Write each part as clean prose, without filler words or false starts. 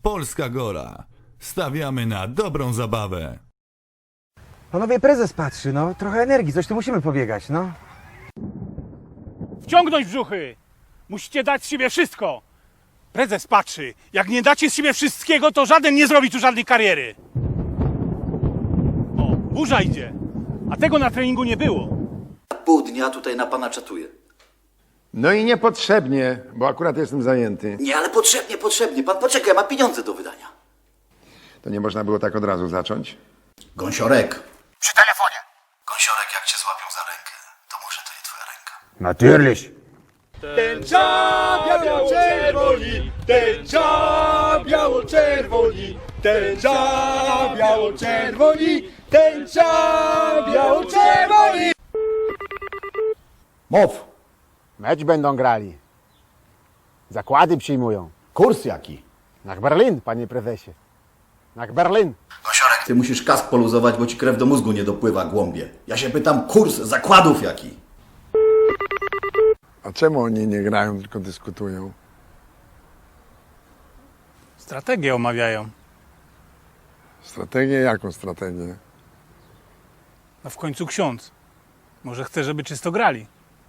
Polska Gora. Stawiamy na dobrą zabawę. Panowie, prezes patrzy, no. Trochę energii, coś tu musimy pobiegać, no. Wciągnąć brzuchy! Musicie dać z siebie wszystko! Prezes patrzy. Jak nie dacie z siebie wszystkiego, to żaden nie zrobi tu żadnej kariery. O, burza idzie. A tego na treningu nie było. Pół dnia tutaj na pana czatuję. No i niepotrzebnie, bo akurat jestem zajęty. Nie, ale potrzebnie. Pan poczekaj, ma pieniądze do wydania. To nie można było tak od razu zacząć? Gąsiorek. Przy telefonie. Gąsiorek, jak cię złapią za rękę, to może to nie twoja ręka. Natürlich. Tęcza biało-czerwoni, tęcza biało-czerwoni, tęcza biało-czerwoni, tęcza biało-czerwoni. Mów, Mecz będą grali. Zakłady przyjmują. kurs jaki? Na Berlin, panie prezesie. Na Berlin. Gąsiorek, ty musisz kask poluzować, bo ci krew do mózgu nie dopływa, głąbie. Ja się pytam, kurs zakładów jaki? A czemu oni nie grają, tylko dyskutują? Strategię omawiają. Strategię? Jaką strategię? No w końcu ksiądz. Może chce, żeby czysto grali.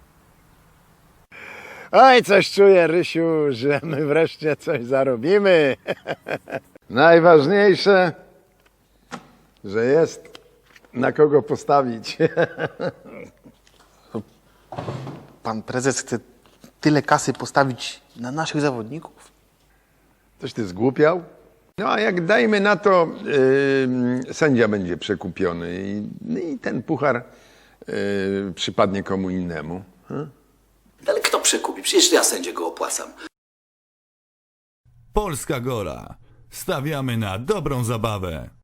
Oj, coś czuję, Rysiu, że my wreszcie coś zarobimy. Najważniejsze, że jest na kogo postawić. Pan prezes chce tyle kasy postawić na naszych zawodników? Coś ty zgłupiał? No a jak dajmy na to, sędzia będzie przekupiony i ten puchar przypadnie komu innemu. Ale kto przekupi? Przecież ja sędzie go opłacam. Polska Gora. Stawiamy na dobrą zabawę.